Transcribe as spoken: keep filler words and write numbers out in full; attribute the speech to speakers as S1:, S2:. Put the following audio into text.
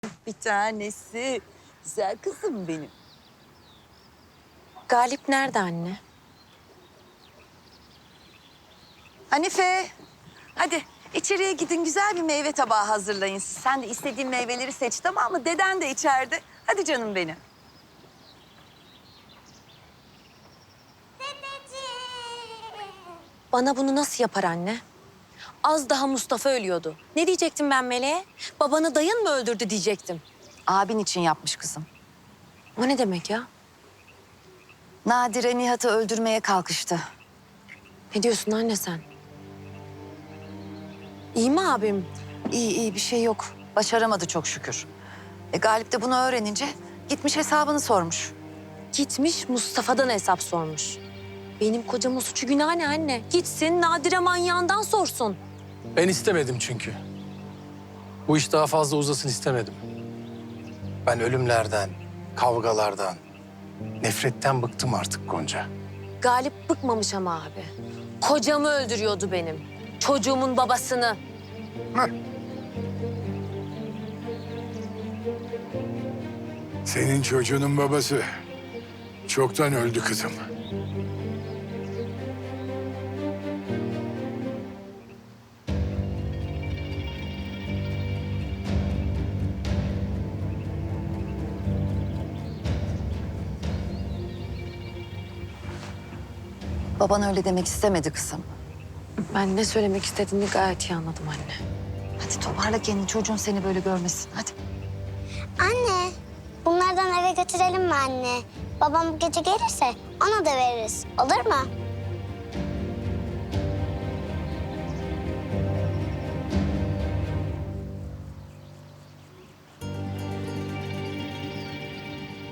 S1: Bir tanesi. Güzel kızım benim.
S2: Galip nerede anne?
S1: Hanife, hadi içeriye gidin güzel bir meyve tabağı hazırlayın siz. Sen de istediğin meyveleri seç, tamam mı? Deden de içeride. Hadi canım benim.
S2: Bana bunu nasıl yapar anne? Az daha Mustafa ölüyordu. Ne diyecektim ben Meleğe? Babanı dayın mı öldürdü diyecektim.
S1: Abin için yapmış kızım.
S2: O ne demek ya?
S1: Nadire Nihat'ı öldürmeye kalkıştı.
S2: Ne diyorsun anne sen? İyi mi abim?
S1: İyi iyi bir şey yok. Başaramadı çok şükür. E, Galip de bunu öğrenince gitmiş hesabını sormuş.
S2: Gitmiş Mustafa'dan hesap sormuş. Benim kocamın suçu günah ne anne? Gitsin Nadire manyağından sorsun.
S3: Ben istemedim çünkü. Bu iş daha fazla uzasın istemedim. Ben ölümlerden, kavgalardan, nefretten bıktım artık Gonca.
S2: Galip bıkmamış ama abi. Kocamı öldürüyordu benim. Çocuğumun babasını.
S4: Senin çocuğunun babası çoktan öldü kızım.
S1: Baban öyle demek istemedi kızım.
S2: Ben ne söylemek istediğini gayet iyi anladım anne.
S1: Hadi toparla kendini, çocuğun seni böyle görmesin. Hadi.
S5: Anne, bunlardan eve götürelim mi anne? Babam bu gece gelirse ona da veririz. Olur mu?